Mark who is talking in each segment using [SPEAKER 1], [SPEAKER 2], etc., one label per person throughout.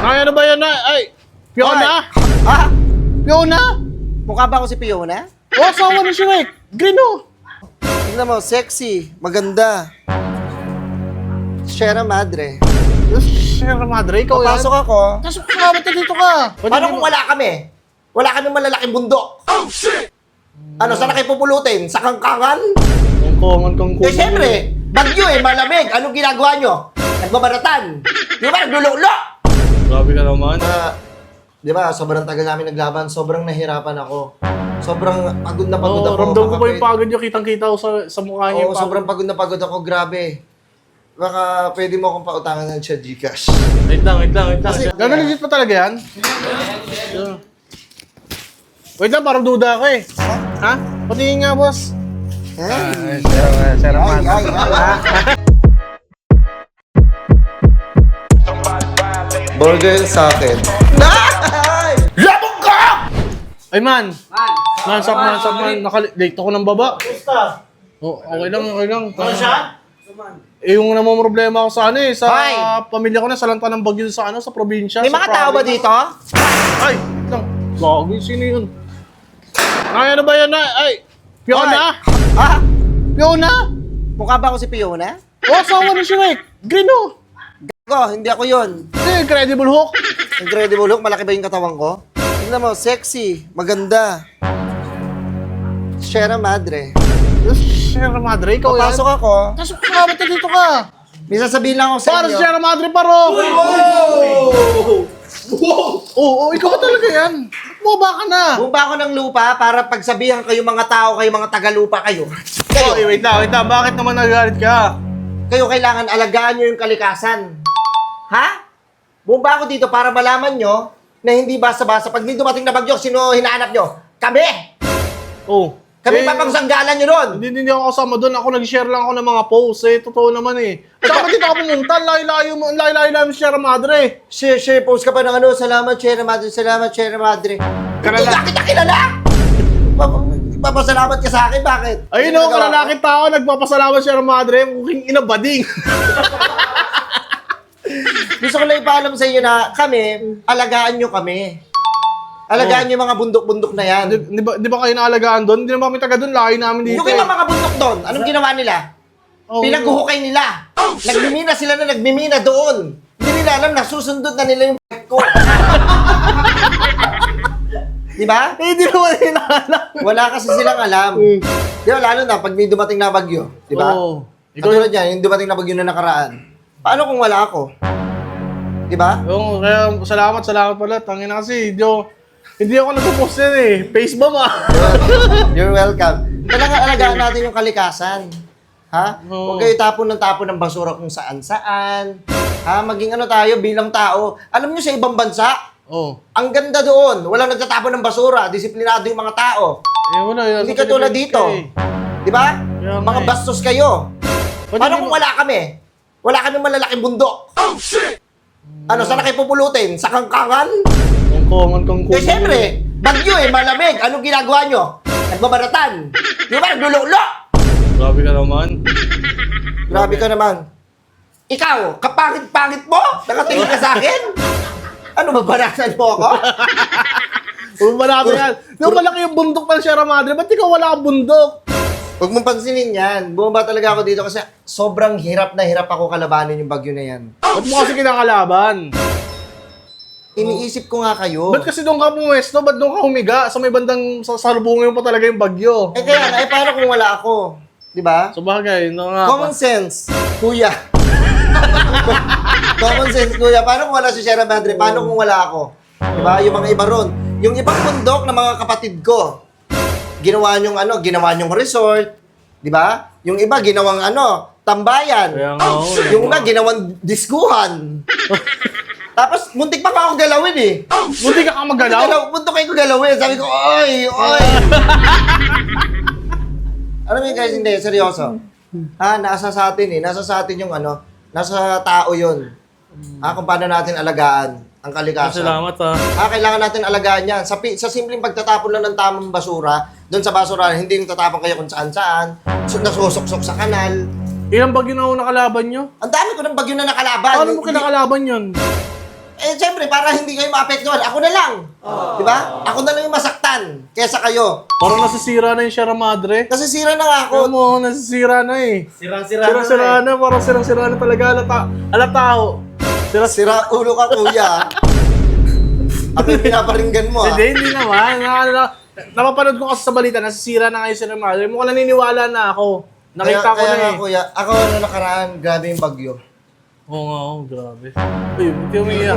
[SPEAKER 1] Ay, ano ba yan? Ay, Fiona?
[SPEAKER 2] Ha?
[SPEAKER 1] Fiona?
[SPEAKER 2] Mukha ba ako si Fiona?
[SPEAKER 1] Oh, asawa ni Shrek. Green, oh.
[SPEAKER 2] Tingnan mo, sexy, maganda. Sierra Madre.
[SPEAKER 1] Sierra Madre, ikaw yan?
[SPEAKER 2] Papasok ako.
[SPEAKER 1] Tapos kumabot ka dito ka.
[SPEAKER 2] Paano kung wala kami? Wala kami malalaking bundok. Oh, shit! Ano, saan na kayo pupulutin? Sa kangkangan?
[SPEAKER 1] Kangkongan.
[SPEAKER 2] Eh, siyempre, bagyo eh, malamig. Anong ginagawa nyo? Nagbabaratan. Di ba, naglululo?
[SPEAKER 1] Grabe ka naman.
[SPEAKER 2] Di ba, sobrang tagal namin naglaban, sobrang nahirapan ako. Sobrang pagod na pagod ako.
[SPEAKER 1] Ramdam ko pa yung pagod nyo. Kitang-kita ko sa mukha niyo.
[SPEAKER 2] Oo, sobrang pagod na pagod ako, grabe. Baka pwede mo akong pautangan ng siya Gcash.
[SPEAKER 1] Wait lang.
[SPEAKER 2] Kasi-
[SPEAKER 1] Gano'n legit pa talaga yan? Yeah. Wait lang, parang duda ako eh. Ha? Patingin nga, boss. Sierra Madre.
[SPEAKER 2] Burger sa akin. Labog ka!
[SPEAKER 1] Ay, man. Sap man. Late ako ng baba. Oh, okay lang. Ano siya? Eh, yung namang problema ako sa sa
[SPEAKER 2] Hoy!
[SPEAKER 1] pamilya ko na sa lanta ng Bagyo sa sa probinsya.
[SPEAKER 2] May
[SPEAKER 1] sa
[SPEAKER 2] mga tao ba
[SPEAKER 1] province.
[SPEAKER 2] dito?
[SPEAKER 1] Ay, lang. Bago, sino yun? Ay, ano ba yan? Ay, Fiona?
[SPEAKER 2] Ha?
[SPEAKER 1] Fiona?
[SPEAKER 2] Mukha ba ako si Fiona?
[SPEAKER 1] Oh, asawa ni Shrek. Green, oh.
[SPEAKER 2] Gago, hindi ako yun.
[SPEAKER 1] Incredible Hulk.
[SPEAKER 2] Incredible Hulk, malaki ba yung katawan ko? Tingnan mo, sexy, maganda. Sierra Madre.
[SPEAKER 1] Sierra Madre, ikaw yan?
[SPEAKER 2] Papasok ako.
[SPEAKER 1] Tapos kumabot ka dito ka.
[SPEAKER 2] May sasabihin lang ako sa
[SPEAKER 1] Para
[SPEAKER 2] inyo.
[SPEAKER 1] sa Sierra Madre, paro. Oo, ikaw ba talaga yan? Bumaba ka na.
[SPEAKER 2] Bumaba ako ng lupa para pagsabihan kayo mga tao, kayo mga taga-lupa kayo.
[SPEAKER 1] Oh, wait lang. Bakit naman nagagalit ka?
[SPEAKER 2] Kayo kailangan alagaan nyo yung kalikasan. Ha? Bumaba ako dito para malaman nyo na hindi basta-basta. Pag may dumating na bagyo, sino hinahanap nyo? Kami!
[SPEAKER 1] Oh.
[SPEAKER 2] Kami papangsanggalan nyo ron!
[SPEAKER 1] Hindi ako kasama doon. Ako nag-share lang ako ng mga posts eh. Totoo naman eh. Saan dito ako pumunta? Layo-layo namin sa Sierra Madre.
[SPEAKER 2] Share, post ka pa ng ano, salamat, Sierra Madre, salamat, Sierra Madre. Hindi ka kita kilala! Papasalamat ka sa akin, bakit?
[SPEAKER 1] Ayun o, kalalaking tao, nagpapasalamat sa Sierra Madre. Mukhang inabading.
[SPEAKER 2] Gusto ko lang ipaalam sa inyo na kami, alagaan nyo kami. Alagaan nyo yung mga bundok-bundok na yan.
[SPEAKER 1] Di ba kayo naalagaan doon? Hindi naman kami taga doon. Layo namin dito.
[SPEAKER 2] Yung iba mga bundok doon, anong ginawa nila?
[SPEAKER 1] Oh,
[SPEAKER 2] Pinaghuhukay nila. Nagmimina sila na nagmimina doon. Hindi nila alam na susundot na nila yung ko. Di ba?
[SPEAKER 1] Eh, di naman nila alam.
[SPEAKER 2] Wala kasi silang alam. Di ba, lalo na pag may dumating na bagyo. Di ba?
[SPEAKER 1] Oo.
[SPEAKER 2] Katulad yan, yung dumating na bagyo na nakaraan. Paano kung wala ako? Di ba?
[SPEAKER 1] Oo, kaya salamat pala. Tangin na kasi, hindi ako nagpo-post yan eh. Facebomb ah.
[SPEAKER 2] You're welcome. Kailangan alagaan natin yung kalikasan. Ha?
[SPEAKER 1] Oo.
[SPEAKER 2] Huwag kayo tapon ng basura kung saan-saan. Ha? Maging ano tayo bilang tao. Alam nyo sa ibang bansa,
[SPEAKER 1] Oo.
[SPEAKER 2] ang ganda doon. Walang nagtatapon ng basura. Disiplinado yung mga tao.
[SPEAKER 1] Eh, wala.
[SPEAKER 2] Hindi ka tulad dito. Di ba?
[SPEAKER 1] Kaya nga
[SPEAKER 2] Mga
[SPEAKER 1] eh.
[SPEAKER 2] bastos kayo. Paano kung wala kami? Wala kami malalaking bundok. Oh, shit! Ano, saan na kayo pupulutin? Sa kangkangan?
[SPEAKER 1] Kangkongan.
[SPEAKER 2] Eh, siyempre, bagyo eh, malamig. Anong ginagawa nyo? Nagbabaratan. Di ba, naglululo?
[SPEAKER 1] Grabe ka naman.
[SPEAKER 2] Grabe ka naman. Ikaw, kapangit-pangit mo? Nakatingin ka sa akin? Ano, babaratan mo ako?
[SPEAKER 1] Huwag malaki yan. Yung malaki yung bundok ng Sierra Madre, ba't ikaw wala kang bundok?
[SPEAKER 2] Huwag mong pansinin yan. Bumaba talaga ako dito kasi sobrang hirap na hirap ako kalabanin yung bagyo na yan.
[SPEAKER 1] Ba't mo kasi kinakalaban?
[SPEAKER 2] Iniisip ko nga kayo.
[SPEAKER 1] Ba't kasi doon ka pumwesto? Ba't doon ka humiga? Sa may bandang salubungin mo pa talaga yung bagyo.
[SPEAKER 2] Eh kaya nga, paano kung wala ako? Di ba?
[SPEAKER 1] So bagay, no nga
[SPEAKER 2] Common sense, kuya. Common sense, kuya. Paano kung wala si Sierra Madre? Paano kung wala ako? Di ba? Yung mga iba ron. Yung ibang bundok ng mga kapatid ko, ginawa nyong resort. Di ba? Yung iba, ginawang tambayan.
[SPEAKER 1] Kaya nga ako eh.
[SPEAKER 2] Yung iba, ginawang diskuhan. Tapos, muntik pa ako galawin eh.
[SPEAKER 1] Buti ka magalaw?
[SPEAKER 2] Muntik ko galawin. Sabi ko, oy! Alam mo yun guys, hindi, seryoso. Ha, nasa sa atin eh. Nasa sa atin yung nasa tao yun. Ha, kung paano natin alagaan ang kalikasan.
[SPEAKER 1] Salamat ah.
[SPEAKER 2] Ha, kailangan natin alagaan yan. Sa simpleng pagtatapon lang ng tamang basura, doon sa basura, hindi yung tatapon kayo kung saan-saan, nasusuksok sa kanal.
[SPEAKER 1] Ilang bagyo na ako nakalaban nyo?
[SPEAKER 2] Ang dami ko ng bagyo na nakalaban.
[SPEAKER 1] Paano mo kinakalaban yun?
[SPEAKER 2] Eh, siyempre, para hindi kayo maapektuhan, ako na lang. Di ba? Ako na lang yung masaktan kesa kayo.
[SPEAKER 1] Parang nasisira na yung Sierra Madre.
[SPEAKER 2] Kasi sira na nga ako.
[SPEAKER 1] Alam mo, nasisira na eh.
[SPEAKER 3] Sirang-sira
[SPEAKER 1] Sira-sira na, parang sirang-sira na talaga. Alatao.
[SPEAKER 2] Sira ulo ka, kuya. Ako yung pinaparinggan mo, ah.
[SPEAKER 1] Hindi naman. Napapanood ko kasi sa balita, nasisira na ngayon Sierra Madre. Mukhang naniniwala na ako. Nakita ko
[SPEAKER 2] kaya
[SPEAKER 1] na
[SPEAKER 2] nga,
[SPEAKER 1] eh.
[SPEAKER 2] kuya, ako na nakaraan, grabe yung bagyo.
[SPEAKER 1] Oo nga, grabe. Uy, buti umiiyak.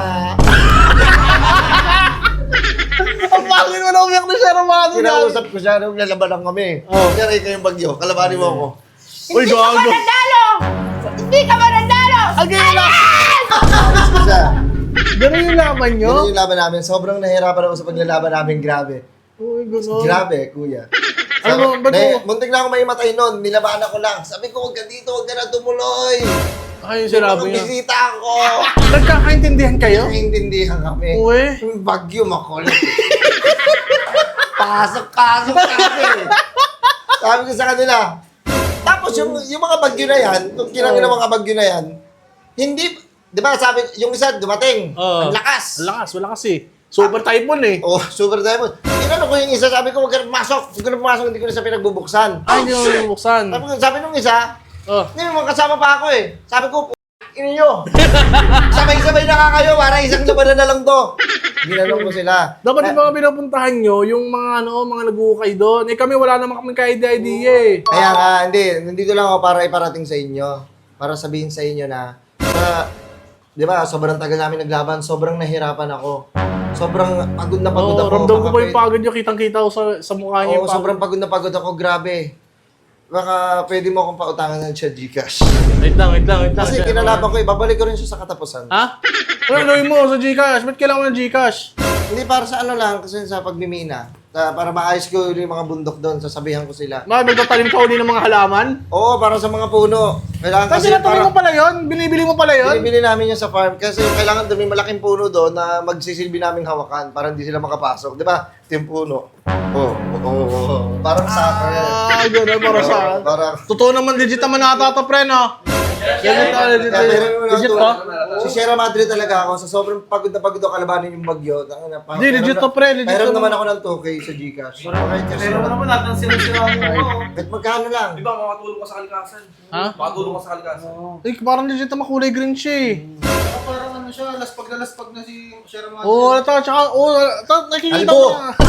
[SPEAKER 1] Ang pangin mo na umiyak na Sierra Madre.
[SPEAKER 2] Kinausap ko siya nung lalabanan kami.
[SPEAKER 1] Oh.
[SPEAKER 2] Kaya kayong bagyo, kalabanin mo ako.
[SPEAKER 1] Uy, gago.
[SPEAKER 4] Hindi ka manandalo!
[SPEAKER 1] Again na!
[SPEAKER 2] Alis ko siya.
[SPEAKER 1] Ganun yung laban nyo?
[SPEAKER 2] Yun yung laban namin. Sobrang nahihirapan ako sa paglalaban namin. Grabe.
[SPEAKER 1] Uy, gano'n.
[SPEAKER 2] Grabe, kuya.
[SPEAKER 1] Ano, ba't mo-
[SPEAKER 2] Muntik na ako maimatay nun. Nilabanan ko lang. Sabi ko, huwag ka dito, huwag ka na tumuloy.
[SPEAKER 1] Ay,
[SPEAKER 2] Hindi
[SPEAKER 1] sinabi
[SPEAKER 2] mo
[SPEAKER 1] niya.
[SPEAKER 2] bisita ako.
[SPEAKER 1] Nagkakaintindihan kayo?
[SPEAKER 2] Naiintindihan kami.
[SPEAKER 1] Uy.
[SPEAKER 2] Yung bagyo, makulit. Pasok-pasok kami. Sabi ko sa kanila. Tapos yung mga bagyo na yan, yung kinangin ng mga bagyo na yan, hindi, di ba sabi, yung isa dumating, ang lakas.
[SPEAKER 1] Ang lakas, wala kasi. Super typhoon eh.
[SPEAKER 2] Oh, super diamond. Tinanong ko yung isa, sabi ko, huwag ka na pumasok. Huwag ka na pumasok, hindi ko na siya pinagbubuksan.
[SPEAKER 1] Ay, hindi mo bubuksan.
[SPEAKER 2] Sabi nung isa,
[SPEAKER 1] Oh.
[SPEAKER 2] hindi mo kasama pa ako eh. Sabi ko, inyo. Sabay-sabay na nga kayo, para isang labanan na lang to. Ginanong ko sila.
[SPEAKER 1] Dapat yung mga pinupuntahan nyo, yung mga mga nag-uukay doon. Eh kami wala naman kami ka-idea eh.
[SPEAKER 2] Kaya nga, hindi. Nandito lang ako para iparating sa inyo. Para sabihin sa inyo na, di ba, sobrang tagal namin naglaban, sobrang nahirapan ako. Sobrang pagod na pagod
[SPEAKER 1] Oo,
[SPEAKER 2] ako.
[SPEAKER 1] ramdam ko
[SPEAKER 2] Baka
[SPEAKER 1] pa yung pagod nyo, kitang-kita ko sa mukha nyo.
[SPEAKER 2] Oo, sobrang pagod na pagod ako, grabe. Baka pwede mo akong pautangan ng siya Gcash.
[SPEAKER 1] Wait lang.
[SPEAKER 2] Kasi kinalaban ko, ibabalik ko rin siya sa katapusan.
[SPEAKER 1] Ha? Ano gawin mo sa Gcash? Ba't kailangan mo ng Gcash?
[SPEAKER 2] Hindi para sa ano lang, kasi sa pagmimina. Para maayos ko yung mga bundok doon, sasabihan ko sila.
[SPEAKER 1] Magtatalim ka uli ng mga halaman?
[SPEAKER 2] Oo, para sa mga puno. Kailangan
[SPEAKER 1] Kasi
[SPEAKER 2] kasi
[SPEAKER 1] natuloy mo pala yun? Binibili mo pala yun?
[SPEAKER 2] binibili namin yun sa farm kasi kailangan doon may malaking puno doon na magsisilbi naming hawakan para hindi sila makapasok. Di ba? Ito yung puno. Oo. Parang soccer.
[SPEAKER 1] Gano'n, para sa...
[SPEAKER 2] Parang...
[SPEAKER 1] Totoo naman, legit naman nakata to, pre, no? Legit pa?
[SPEAKER 2] Si Sierra Madre talaga ako. Sa sobrang pagod na pagod ako kalabanin yung bagyo.
[SPEAKER 1] Hindi, legit to, pre. Legit
[SPEAKER 2] Mayroon
[SPEAKER 1] to.
[SPEAKER 2] naman ako ng 2K sa Gcash. Okay, kasi...
[SPEAKER 3] Pero naman natin sira-sira mo.
[SPEAKER 2] Kahit magkano lang.
[SPEAKER 3] Di ba, makatulong ka sa kalikasan?
[SPEAKER 1] Ha?
[SPEAKER 3] Makatulong ka sa kalikasan.
[SPEAKER 1] Eh, parang legit naman kulay green siya eh.
[SPEAKER 5] Parang ano siya, laspag na si Sierra Madre.
[SPEAKER 1] Oo, tsaka, nakikita
[SPEAKER 2] Albo.
[SPEAKER 1] ko na.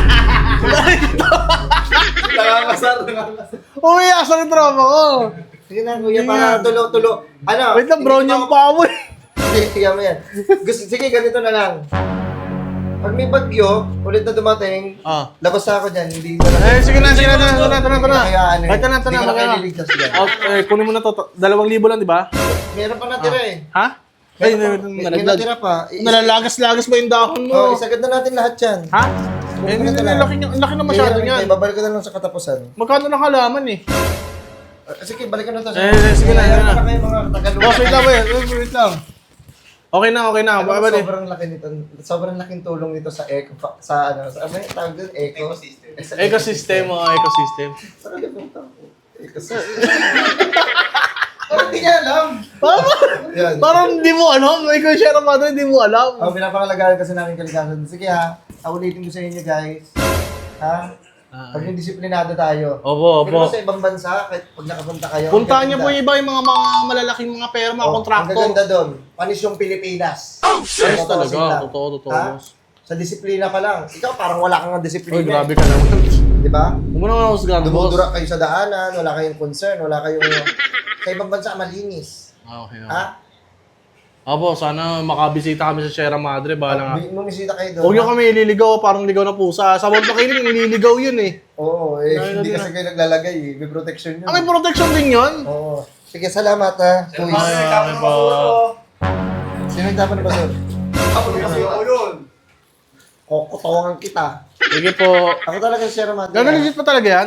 [SPEAKER 3] Nakakasar.
[SPEAKER 1] Uy, asan yung tropa ko?
[SPEAKER 2] Sige na, kuya, para tulo. Ano?
[SPEAKER 1] Wait lang, brown yung paa mo eh.
[SPEAKER 2] Sige mo yan. Sige, ganito na lang. Pag may bagyo, ulit na dumating,
[SPEAKER 1] Ah.
[SPEAKER 2] labas na ako dyan, hindi na lang.
[SPEAKER 1] Sige na. Tara.
[SPEAKER 2] Kayaan eh.
[SPEAKER 1] Ay, tara.
[SPEAKER 2] Hindi ko na kayo liligtas dyan.
[SPEAKER 1] Kunin mo na to. 2,000 lang, di ba?
[SPEAKER 2] Meron pa natira eh.
[SPEAKER 1] Ha? Ay,
[SPEAKER 2] May natira pa.
[SPEAKER 1] nalalagas-lagas ba yung dahon
[SPEAKER 2] Oh,
[SPEAKER 1] mo?
[SPEAKER 2] isagad na natin lahat yan.
[SPEAKER 1] Ha? Eh,
[SPEAKER 2] Kunin ko na lang.
[SPEAKER 1] ang laki na masyado niyan.
[SPEAKER 2] Babalik ko na lang sa katapusan.
[SPEAKER 1] Magkano na halaman eh?
[SPEAKER 2] Sige, balikan na to.
[SPEAKER 1] Sige na.
[SPEAKER 2] Meron na kayo mga Tagalog.
[SPEAKER 1] Boss, wait lang. Okay na.
[SPEAKER 2] Sobrang laki nito. Sobrang laking tulong nito sa eco, sa ano, sa ano yung tawag doon?
[SPEAKER 1] Ecosystem.
[SPEAKER 2] Parang lipunta ko. Ecosystem. Parang hindi niya alam. Yan.
[SPEAKER 1] Parang di mo alam. Ikaw Sierra Madre, di mo alam.
[SPEAKER 2] Pinapakalagaan kasi namin kalikasan. Sige ha, ulitin ko sa inyo guys. Ha? Pag yung disiplinado tayo.
[SPEAKER 1] Opo.
[SPEAKER 2] Pero sa ibang bansa, kahit pag nakapunta kayo.
[SPEAKER 1] Puntahan niyo po yung iba yung mga malalaking mga pera, mga
[SPEAKER 2] Ang
[SPEAKER 1] kontraktor.
[SPEAKER 2] gaganda doon, panis yung Pilipinas.
[SPEAKER 1] Ayos talaga. Totoo.
[SPEAKER 2] Ha? Sa disiplina pa lang. Ikaw parang wala kang disiplina.
[SPEAKER 1] Uy, grabe ka naman.
[SPEAKER 2] Di ba?
[SPEAKER 1] Huwag mo naman ako sa boss.
[SPEAKER 2] Dumudura kayo sa daanan, wala kayong concern, wala kayong... Sa ibang bansa, malinis.
[SPEAKER 1] Okay.
[SPEAKER 2] Ha?
[SPEAKER 1] Opo, sana makabisita kami sa Sierra Madre. Bahala nga.
[SPEAKER 2] Bumisita kayo doon.
[SPEAKER 1] Huwag niyo kami ililigaw, parang ligaw na pusa. Sa World Pakiling, nililigaw yun eh.
[SPEAKER 2] Oo, hindi kasi kayo naglalagay eh. May protection yun.
[SPEAKER 1] May protection din yun.
[SPEAKER 2] Oo. Sige, salamat ha. Kuis.
[SPEAKER 1] Okay po.
[SPEAKER 2] Sino yung dapat na ba, sir?
[SPEAKER 3] Ako yun.
[SPEAKER 2] Kukutawan kita.
[SPEAKER 1] Sige po.
[SPEAKER 2] Ako talaga si Sierra Madre.
[SPEAKER 1] Gano'n legit pa talaga yan?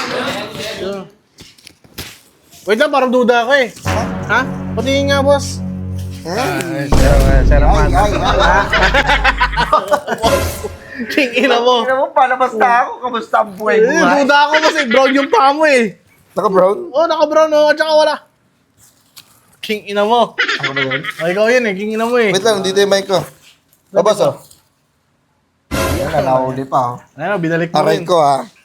[SPEAKER 1] Wait lang, parang duda ako eh. Ha? Patingin nga, boss. Sierra Madre. King ina mo.
[SPEAKER 2] Tingnan mo, palabas na ako. Kamusta ang buhay-buhay?
[SPEAKER 1] Duda ako kasi brown yung paa mo eh.
[SPEAKER 2] Naka-brown?
[SPEAKER 1] Oh, naka-brown oh. At saka wala. King ina mo.
[SPEAKER 2] Ako ba yun?
[SPEAKER 1] Ay, ikaw yun eh. King ina mo eh.
[SPEAKER 2] Wait lang, dito yung mic ko. Boss, oh. Ayan na, nahuli pa, oh.
[SPEAKER 1] Ayun, binalik mo
[SPEAKER 2] Aray
[SPEAKER 1] rin.
[SPEAKER 2] ko, ah.